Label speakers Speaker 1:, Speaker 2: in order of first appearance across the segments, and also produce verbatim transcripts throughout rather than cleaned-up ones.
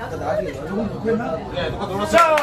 Speaker 1: 네, 누가 놀았어요.
Speaker 2: 자,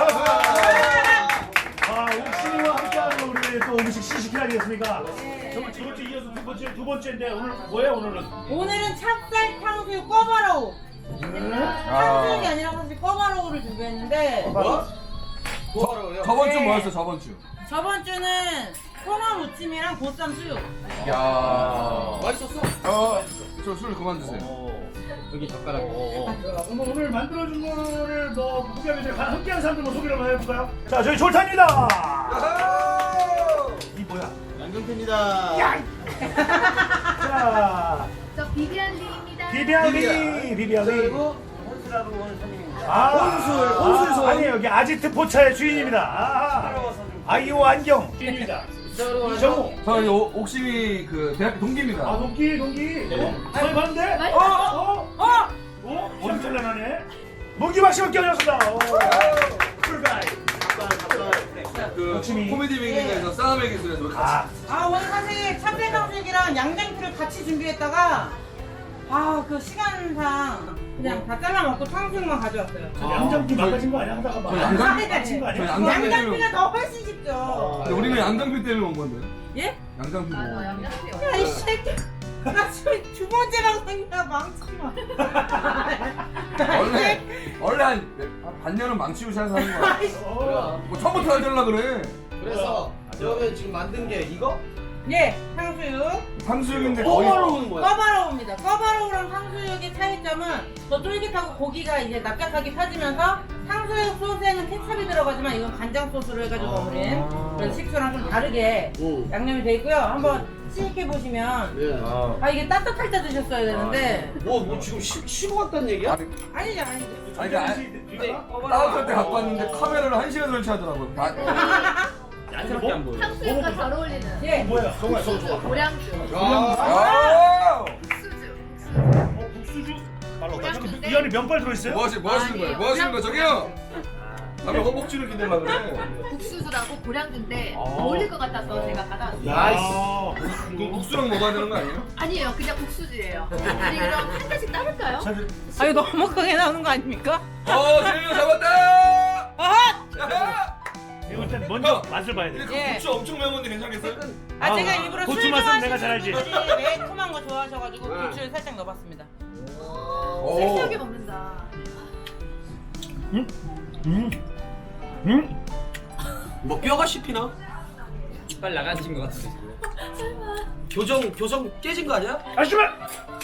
Speaker 2: 아, 옥신이와 함께하는 우리 또 음식 시식회 아니겠습니까? 정말 두 번째 이어서 두 번째 두 번째인데 오늘 뭐예요 오늘은?
Speaker 3: 오늘은 찹쌀 탕수육 꿔바로우. 탕수육이 아니라 사실 꿔바로우를 준비했는데
Speaker 1: 뭐?
Speaker 4: 저번 주
Speaker 3: 네.
Speaker 4: 뭐였어 저번 주?
Speaker 3: 저번 주는 소마 무침이랑 보쌈 수육.
Speaker 4: 야.
Speaker 1: 맛있었어?
Speaker 4: 어, 저 술 그만 드세요.
Speaker 1: 여기 젓가락.
Speaker 2: 뭐 오늘 만들어준 거를 뭐 무게하게 함께하는 사람들 뭐 소개를 한번 해볼까요? 자, 저희 졸탄입니다. 이 뭐야?
Speaker 1: 양경태입니다.
Speaker 2: 자,
Speaker 5: 저 비비안리입니다.
Speaker 2: 비비안리, 비비안리.
Speaker 1: 그리고 혼수라고 오는 손님입니다.
Speaker 2: 아,
Speaker 1: 혼술, 혼술손.
Speaker 2: 아, 아니 여기 아지트 포차의 주인입니다. 아, 아이오 안경 주인입니다. 이정우.
Speaker 4: 저 이 옥심이 그 대학교 동기입니다.
Speaker 2: 아, 동기, 동기. 어? 서해 봤는데?
Speaker 5: 맛있어.
Speaker 2: 어? 어? 어? 시험 잘 나가네. 문기박 씨가 껴졌습니다. 풀가이.
Speaker 4: 그
Speaker 2: 옥심이.
Speaker 4: 코미디 빅리그에서 싸움의 기술에서 우리 같이.
Speaker 2: 아,
Speaker 3: 아 오늘 사실 찹쌀 탕수육이랑 양장피를 같이 준비했다가 아 그 시간상 그냥 다 잘라 먹고 탕수육만 가져왔어요.
Speaker 2: 양장피 망가진 거 아니야? 하다가 막.
Speaker 4: 저 양장-
Speaker 2: 망가진 거 아니야?
Speaker 4: 저 양장-
Speaker 3: 양장피가 더 훨씬 쉽죠.
Speaker 4: 근데 우리는 양장피 때문에 온 건데.
Speaker 3: 예?
Speaker 4: 양장피
Speaker 5: 맞아,
Speaker 4: 뭐.
Speaker 5: 양장피
Speaker 3: 야 이 새끼. 나 지금 두 번째 방송이야 망치지 마.
Speaker 4: 원래 원래 한, 한 반년은 망치고 시작하는 거야.
Speaker 2: 어.
Speaker 4: 뭐 처음부터 알려려 그래.
Speaker 1: 그래서 그러면 지금 만든 게 이거?
Speaker 3: 예 탕수육.
Speaker 4: 탕수육인데 거의
Speaker 1: 꼬바로우는 뭐야?
Speaker 3: 꿔바로우입니다. 꿔바로우랑 탕수육의 차이점은 더 쫄깃하고 고기가 이제 납작하게 펴지면서 탕수육 소스에는 케찹이 들어가지만 이건 간장 소스로 해가지고 버무린 그래서 식초랑 좀 다르게
Speaker 1: 응.
Speaker 3: 양념이 돼 있고요. 한번 시식해 보시면
Speaker 1: 예.
Speaker 3: 아 이게 따뜻할 때 드셨어야 되는데
Speaker 1: 뭐, 뭐 지금 쉬, 쉬고 갔다는 얘기야?
Speaker 4: 아니,
Speaker 3: 아니죠 아니죠.
Speaker 4: 아니 그
Speaker 1: 근데
Speaker 4: 따뜻할 때 갖고 왔는데 카메라를 한 시간 설치하더라고. 다-
Speaker 1: 얀스럽게 안 보여.
Speaker 5: 탕수육과 잘 어울리는
Speaker 3: 예.
Speaker 2: 뭐야?
Speaker 1: 정말 좋아, 좋아.
Speaker 5: 고량주,
Speaker 4: 아!
Speaker 5: 국수주,
Speaker 2: 어, 국수주?
Speaker 5: 고량주.
Speaker 2: 이 안에 면발 들어있어요?
Speaker 4: 뭐, 하시, 뭐 하시는 거예요? 뭐 하시는 거예요? 저기요! 남의 허벅지를 기대려고 그래.
Speaker 5: 국수주라고 고량주인데
Speaker 2: 아.
Speaker 5: 어울릴 것 같아서 제가 가져왔어요.
Speaker 2: 야,
Speaker 4: 그 국수랑 먹어야 되는 거 아니에요?
Speaker 5: 아니에요, 그냥 국수주예요. 우리 그럼 한 잔씩 따를까요?
Speaker 2: 사실
Speaker 3: 아 이거 너무 크게 나오는 거 아닙니까?
Speaker 4: 어, 재민이 잡았다!
Speaker 3: 아!
Speaker 4: 야하!
Speaker 2: 이거 일단 먼저 맛을 봐야
Speaker 4: 근데
Speaker 2: 돼.
Speaker 4: 그
Speaker 3: 예.
Speaker 4: 국수 엄청 매운 건데 괜찮겠어요?
Speaker 3: 아 제가 일부러
Speaker 2: 고추
Speaker 3: 술
Speaker 2: 맛은 내가
Speaker 3: 좋아하시는
Speaker 2: 잘 알지.
Speaker 3: 분들이 매콤한 거 좋아하셔가지고
Speaker 4: 네.
Speaker 3: 고추를 살짝 넣어봤습니다.
Speaker 4: 오.
Speaker 5: 섹시하게 먹는다.
Speaker 2: 응? 응? 응?
Speaker 1: 뭐 뼈가 씹히나?
Speaker 6: 이빨 나가신 것 같은데.
Speaker 1: 교정, 교정 깨진 거 아니야?
Speaker 2: 아씨발!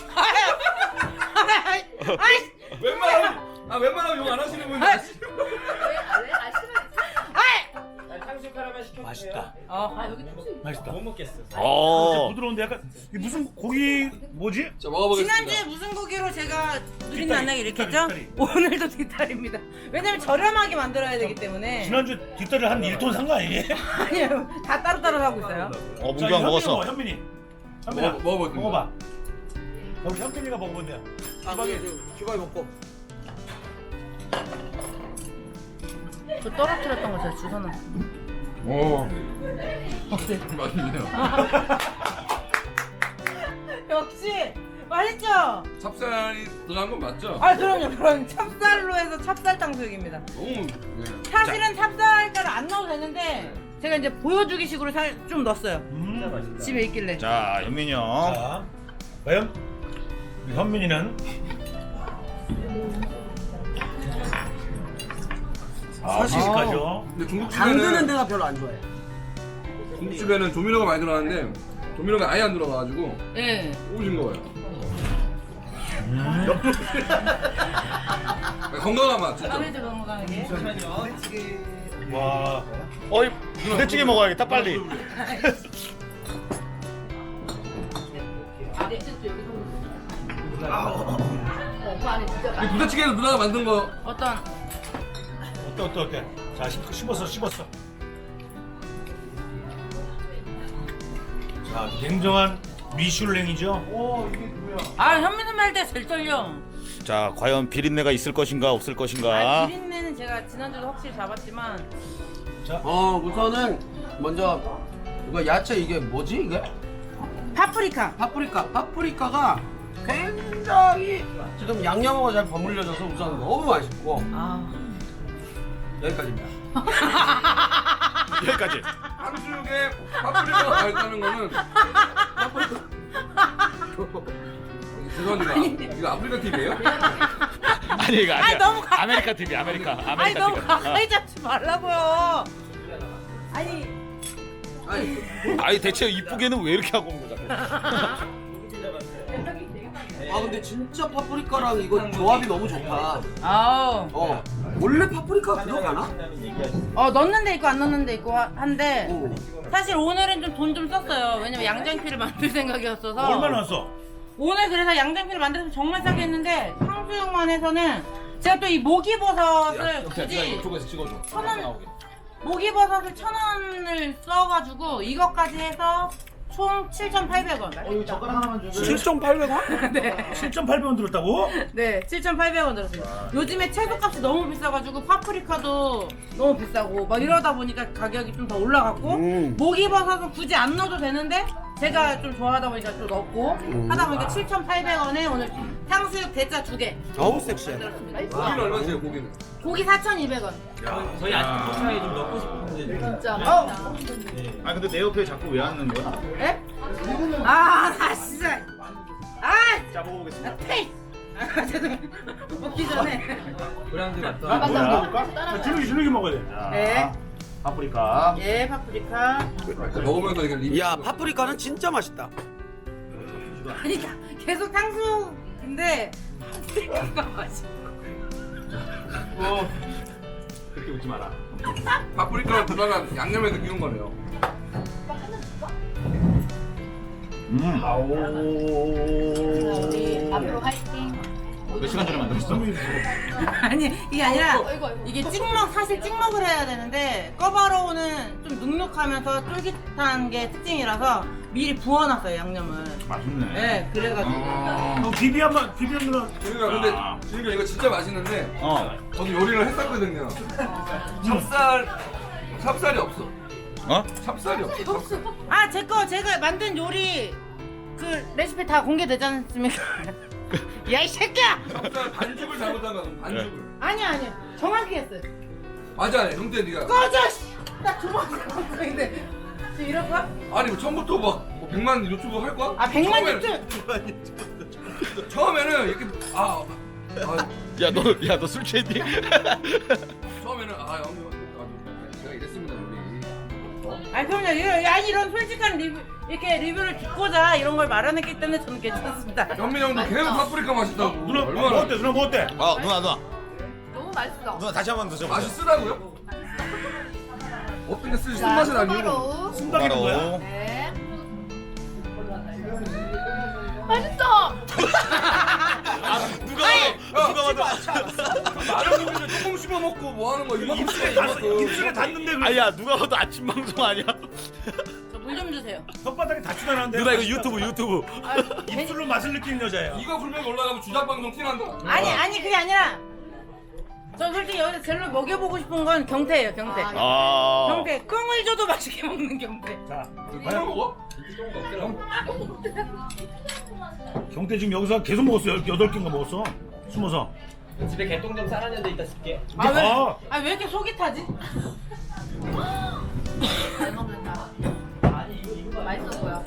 Speaker 3: 아이!
Speaker 4: 웬만하면, 아, 웬만하면 욕 안 하시는 분이
Speaker 5: 왜, 왜 아시면
Speaker 6: 탕수육 하나만 시켜주세요.
Speaker 2: 맛있다.
Speaker 3: 어.
Speaker 5: 아 여기 탕수육
Speaker 2: 맛있다.
Speaker 6: 못 먹겠어.
Speaker 2: 어. 부드러운데 약간 이게 무슨 고기 뭐지?
Speaker 4: 자, 먹어보겠습니다.
Speaker 3: 지난주에 무슨 고기로 제가 누린
Speaker 2: 뒷다리,
Speaker 3: 만나기 이렇게 했죠?
Speaker 2: 뒷다리,
Speaker 3: 오늘도 뒷다리입니다. 왜냐면 저렴하게 만들어야 되기 때문에.
Speaker 2: 지난주 뒷다리를 한 일 톤 산 거 아니에요?
Speaker 3: 아니요, 다 따로따로 하고 있어요.
Speaker 2: 어, 문경 먹었어. 현민이. 현민아,
Speaker 4: 먹어, 먹어봐.
Speaker 2: 먹어봐. 우리 현민이가 먹어본대요.
Speaker 1: 아, 그게 규바이 먹고.
Speaker 3: 저 떨어뜨렸던 거 제가 주워는.
Speaker 4: 오. 맛있네요.
Speaker 3: 역시 맛있죠?
Speaker 4: 찹쌀이 들어간 건 맞죠?
Speaker 3: 아 그럼요, 그럼 찹쌀로 해서 찹쌀 탕수육입니다.
Speaker 4: 너무, 네.
Speaker 3: 사실은 찹쌀가루 안 넣어도 되는데 제가 이제 보여주기 식으로 살 좀 넣었어요.
Speaker 2: 음.
Speaker 3: 집에 있길래.
Speaker 7: 자, 현민이 형.
Speaker 2: 자, 과연 우리 현민이는 사실 가죠.
Speaker 4: 근데
Speaker 1: 당근은
Speaker 4: 중국집에는,
Speaker 1: 내가 별로 안 좋아해.
Speaker 4: 중국집에는 조미료가 많이 들어가는데, 조미료가 아예 안 들어가가지고,
Speaker 3: 예.
Speaker 4: 오신 거예요. 건강한 맛, 진짜.
Speaker 3: 마음에 들어 건강하게.
Speaker 2: 와,
Speaker 7: 어이, 부대찌개 먹어야겠다, 빨리.
Speaker 5: 안에 진짜 여기 어, 그 안에 진짜
Speaker 4: 이 부대찌개는 누나가 만든 거,
Speaker 3: 어떤
Speaker 2: 어때 어때 어때? 자, 씹- 씹었어 씹었어. 자, 냉정한 미슐랭이죠. 오, 이게 뭐야?
Speaker 3: 아 현민 선배 할 때 제일 떨려.
Speaker 7: 자, 과연 비린내가 있을 것인가, 없을
Speaker 3: 아
Speaker 7: 것인가?
Speaker 3: 비린내는 제가 지난주도 확실히 잡았지만
Speaker 1: 어, 우선은 먼저 이거 야채 이게 뭐지 이게?
Speaker 3: 파프리카.
Speaker 1: 파프리카. 파프리카가 굉장히 지금 양념하고 잘 버무려져서 우선 너무 맛있고
Speaker 3: 아.
Speaker 1: 여기까지입니다.
Speaker 7: 여기까지.
Speaker 4: 탕수육에 파프리카가 있다는 거는 죄송합니다. 이거 아프리카 티비예요?
Speaker 7: 아니 이거 아니야.
Speaker 3: 아니, 너무 가-
Speaker 7: 아메리카 티비 아메리카 아메리카
Speaker 3: 아니 너무
Speaker 7: 티비.
Speaker 3: 가까이 잡지 말라고요. 아니
Speaker 1: 아니
Speaker 7: 아니 대체 이쁘게는 왜 이렇게 하고 온 거야?
Speaker 1: 아 근데 진짜 파프리카랑 이거 조합이 너무 좋다.
Speaker 3: 아우
Speaker 1: 어 원래 파프리카 들어가나?
Speaker 3: 어 넣는 데 있고 안 넣는 데 있고 하- 한데
Speaker 1: 오.
Speaker 3: 사실 오늘은 좀 돈 좀 썼어요. 왜냐면 양장피를 만들 생각이었어서.
Speaker 2: 얼마나 왔어?
Speaker 3: 오늘 그래서 양장피를 만들어서 정말 싸게 했는데 탕수육만 해서는 제가 또 이 목이버섯을 굳이
Speaker 4: 이쪽에서 찍어줘.
Speaker 3: 천 원, 목이버섯을 천 원을 써가지고 이것까지 해서 총 칠천팔백 원.
Speaker 1: 칠천팔백 원?
Speaker 3: 네.
Speaker 2: 칠천팔백 원 들었다고?
Speaker 3: 네, 칠천팔백 원 들었어요. 요즘에 채소값이 너무 비싸가지고 파프리카도 너무 비싸고 막 이러다 보니까 가격이 좀 더 올라갔고
Speaker 1: 음.
Speaker 3: 목이버섯은 굳이 안 넣어도 되는데 제가 좀 좋아하다 보니까 좀 넣고 하다 보니까 칠천팔백 원에 오늘 탕수육 대짜 두 개
Speaker 1: 너무 섹시해.
Speaker 4: 고기는 얼마세요, 고기는?
Speaker 3: 고기 사천이백 원.
Speaker 6: 저희 아직 포차에 좀 넣고 싶은데.
Speaker 3: 어?
Speaker 5: 아 근데 내 옆에 자꾸 왜 앉는 거야?
Speaker 3: 에? 아, 나 진짜. 아,
Speaker 5: 짜먹어보겠습니다.
Speaker 3: 나 테이. 아, 죄송해요. 먹기 전에.
Speaker 6: 브랜드 같다.
Speaker 2: 뭐야? 줄기 줄기 먹어야 돼.
Speaker 3: 네.
Speaker 5: 파프리카.
Speaker 3: 예, 파프리카.
Speaker 4: 먹으면서 이게 리뷰.
Speaker 1: 야 파프리카는 진짜 맛있다.
Speaker 3: 아니, 다- 계속 탕수육인데 파프리카가 맛있어.
Speaker 5: 어. 그렇게 웃지 마라.
Speaker 4: 파프리카를 누나가 양념에서 끼운 거네요.
Speaker 5: 음.
Speaker 8: 우리 앞으로 화이팅.
Speaker 5: 몇 시간 전에 만들었어?
Speaker 3: 아니, 이게 아니라 이게 찍먹, 사실 찍먹을 해야 되는데 꺼바로우는 좀 눅눅하면서 쫄깃한 게 특징이라서 미리 부어놨어요, 양념을.
Speaker 5: 맛있네.
Speaker 3: 네, 그래가지고.
Speaker 2: 어, 비비 한번 비비 한번.
Speaker 4: 지금가 근데 지금 이거 진짜 맛있는데
Speaker 5: 어.
Speaker 4: 저도 요리를 했었거든요. 찹쌀 찹쌀이 없어.
Speaker 7: 어?
Speaker 4: 찹쌀이 없어. 찹쌀.
Speaker 3: 아, 제 거 제가 만든 요리 그 레시피 다 공개되지 않습니까? 야, 이 새끼야!
Speaker 4: 찹쌀 반죽을 잘못한 거야. 반죽을.
Speaker 3: 아니야, 아니야. 정확히 했어요.
Speaker 4: 맞아, 형태 네가.
Speaker 3: 꺼져! 씨! 나 두번 방송인데 지금 이럴 거야?
Speaker 4: 아니 뭐 처음부터 막뭐 백만 유튜브 할 거야?
Speaker 3: 아, 백만
Speaker 4: 처음에는-
Speaker 3: 유튜브!
Speaker 4: 처음에는 이렇게 아, 아
Speaker 7: 야 너 야 너 술 취했니?
Speaker 4: 처음에는 아 형님 아, 제가 이랬습니다 우리.
Speaker 3: 아, 그럼요. 이런, 야, 이런 솔직한 리뷰, 이렇게 리뷰를 듣고자 이런 걸 마련했기 때문에 저는 괜찮습니다.
Speaker 4: 현민 형도 계속 파프리카 맛있다고.
Speaker 2: 누나
Speaker 4: 얼마나
Speaker 2: 뭐 어때? 누나 뭐 어때?
Speaker 7: 어 누나 누나
Speaker 8: 너무 맛있어.
Speaker 7: 누나 다시 한 번 드셔보세요.
Speaker 4: 맛있으라고요? 어떤 게 쓰지 쓴맛은 아니고.
Speaker 8: 바로.
Speaker 2: 순박이 뭐야?
Speaker 7: 바로
Speaker 8: 네. 맛있어.
Speaker 7: 누가 누가 봐도
Speaker 4: 마른 고기를 조금 씹어 먹고 뭐 하는 거야? 이만큼
Speaker 2: 입술에
Speaker 4: 씹어
Speaker 2: 닿
Speaker 4: 이만큼.
Speaker 2: 입술에 닿는데 그
Speaker 7: 아야 누가 봐도 아침 방송 아니야?
Speaker 3: 저 물 좀 주세요.
Speaker 2: 혓바닥에 닿지도 않았는데.
Speaker 7: 누나 이거 유튜브 유튜브.
Speaker 3: 아,
Speaker 2: 입술로 맛을 느끼는 여자예요.
Speaker 4: 이거 불면 올라가면 주작 방송 티난다.
Speaker 3: 아니, 아니, 그게 아니라 저 솔직히 여기서 제일 먹여보고 싶은 건 경태예요, 경태.
Speaker 7: 아.
Speaker 3: 경태. 꽁을 줘도 맛있게 먹는 경태.
Speaker 2: 자,
Speaker 4: 이거 먹어?
Speaker 2: 경태 지금 여기서 계속 먹었어. 요 여덟 개인가 먹었어. 숨어서.
Speaker 6: 집에 개똥 좀 싸놨는데 이따 쓸게.
Speaker 3: 아, 왜,
Speaker 2: 아.
Speaker 3: 아, 왜 이렇게 속이 타지?
Speaker 8: 잘 먹는다. 맛있어 보여.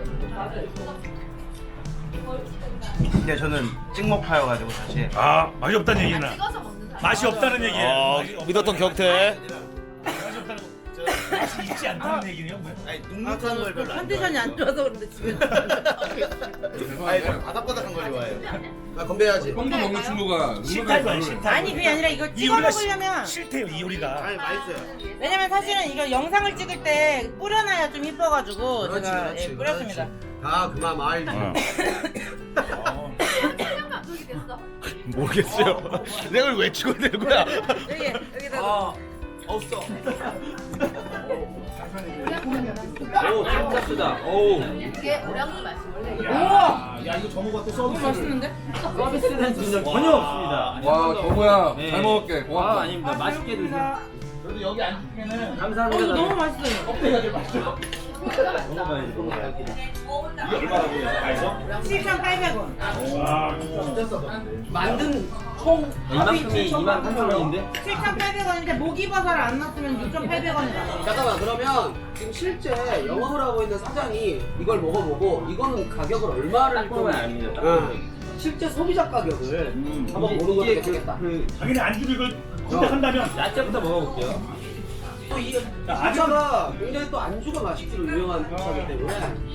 Speaker 5: 근데 저는 찍먹파여가지고 사실.
Speaker 2: 아, 맛이 없다는 얘기나.
Speaker 8: 찍어서 먹는 사람.
Speaker 2: 맛이 없다는 얘기예요.
Speaker 7: 어
Speaker 2: 맛이 없-
Speaker 7: 믿었던 경태.
Speaker 2: 맛이 없다는 거. 맛이 있지 않다는 얘기네요. 뭐야?
Speaker 5: 아니
Speaker 3: 아,
Speaker 5: 눅눅한 걸
Speaker 3: 저는
Speaker 5: 별로 안
Speaker 3: 컨디션이 안 좋아서 그런데 집에.
Speaker 5: 아니 저 바삭바삭한 걸 좋아해요.
Speaker 1: 나 건배해야지.
Speaker 4: 똥도 먹는 친구가
Speaker 2: 싫다고 해, 싫다.
Speaker 3: 아니, 그게 아니라 이거
Speaker 2: 이
Speaker 3: 찍어
Speaker 2: 요리가
Speaker 3: 먹으려면.
Speaker 2: 시- 싫대요, 이 요리가.
Speaker 5: 아니 맛있어요.
Speaker 3: 왜냐면 사실은 이거 영상을 찍을 때 뿌려놔야 좀 이뻐가지고
Speaker 1: 그렇지,
Speaker 3: 제가
Speaker 1: 그렇지,
Speaker 3: 예, 뿌렸습니다.
Speaker 1: 다 그만 말.
Speaker 7: 어.
Speaker 2: 어.
Speaker 8: 촬영 감독이 됐어.
Speaker 7: 모르겠어요. 내가 이걸 왜 찍어내는 거야?
Speaker 3: 여기 여기다.
Speaker 1: 아 없어.
Speaker 6: 오, 진짜 쓰다. 오.
Speaker 8: 이게 오량주 맛이 원래 이래.
Speaker 3: 우와,
Speaker 5: 야 이거 저모가 또
Speaker 3: 너무
Speaker 5: 서비스.
Speaker 3: 맛있는데?
Speaker 6: 서비스는 진짜 전혀 없습니다.
Speaker 4: 와 저거야
Speaker 6: 네.
Speaker 4: 잘 먹을게
Speaker 6: 아,
Speaker 4: 고맙다.
Speaker 6: 아닙니다. 맛있게 드세요.
Speaker 5: 그래도 여기 앉으면은
Speaker 3: 어,
Speaker 6: 감사합니다.
Speaker 3: 이거 너무 맛있어요.
Speaker 5: 껍데기가 제일 맛있어.
Speaker 6: 먹어봐야지 먹어봐야지.
Speaker 2: 이게 얼마라고요? 다해서?
Speaker 3: 칠천팔백 원.
Speaker 2: 아, 진짜 싸다.
Speaker 1: 만든 총
Speaker 6: 이만큼이 이만 삼천 원인데?
Speaker 3: 칠천팔백 원인데 목이버섯을 안 넣었으면 육천팔백 원이다.
Speaker 1: 잠깐만, 그러면 지금 실제 영업을 하고 있는 사장이 이걸 먹어보고 이거는 가격을 얼마를
Speaker 6: 딱 보면 압니다. 딱
Speaker 1: 응.
Speaker 6: 보면.
Speaker 1: 실제 소비자 가격을 한번
Speaker 6: 이게-
Speaker 1: 보는 것도
Speaker 6: 이게 그-
Speaker 1: 괜찮겠다.
Speaker 6: 그
Speaker 2: 자기네 안주를 이걸 선택한다면
Speaker 6: 야채부터 먹어볼게요.
Speaker 1: 또이
Speaker 2: 자, 아주-
Speaker 1: 아주가 굉장히 또 안주가 맛있기로 유명한 차이기 때문에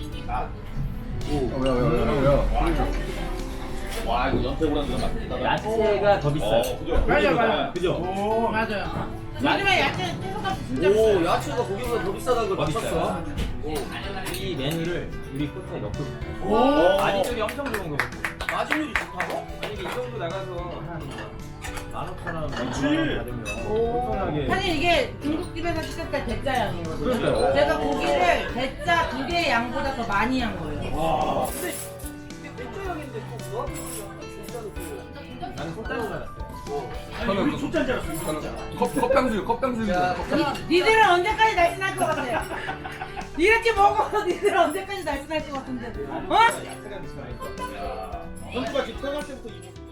Speaker 6: 와 이거 연태고랑도 맛있다. 야채가 더 비싸요.
Speaker 3: 맞아요, 맞아요.
Speaker 6: 그죠?
Speaker 2: 오,
Speaker 3: 맞아요. 요즘에 야채 채소값이 진짜
Speaker 1: 오
Speaker 3: 비싸요.
Speaker 1: 야채가 고기보다 더 비싸다는 걸
Speaker 6: 더
Speaker 1: 맞췄어.
Speaker 6: 비싸요.
Speaker 1: 오.
Speaker 6: 이 메뉴를 우리 코스에 넣고 싶어요.
Speaker 2: 오,
Speaker 6: 마진율이 엄청 좋은 거고.
Speaker 1: 마진율이 좋다고?
Speaker 6: 아니 이게 이 정도 나가서 한 만 오천 원,
Speaker 2: 그렇지.
Speaker 6: 받으면 엄청나게.
Speaker 3: 사실 이게 중국집에서 시켰을 때 대짜양이거든요.
Speaker 6: 그러니까요.
Speaker 3: 제가 고기를 대짜 두 개의 양보다 더 많이 한 거예요.
Speaker 2: 와.
Speaker 1: 근데 맥주형인데 또 조합이 진짜 좋고.
Speaker 6: 나는 손따로 살았어요.
Speaker 2: 아니, 우리 초짜인 줄 알았어, 우리 초짜.
Speaker 4: 컵 컵당수육 컵당수육.
Speaker 1: 야,
Speaker 3: 니들은 언제까지 날씬할 것 같아? 이렇게 먹어도 니들은 언제까지 날씬할 것 같은데? 어?
Speaker 6: 야채가 비싸니까.
Speaker 2: 선수가 지금 태어날 때부터 이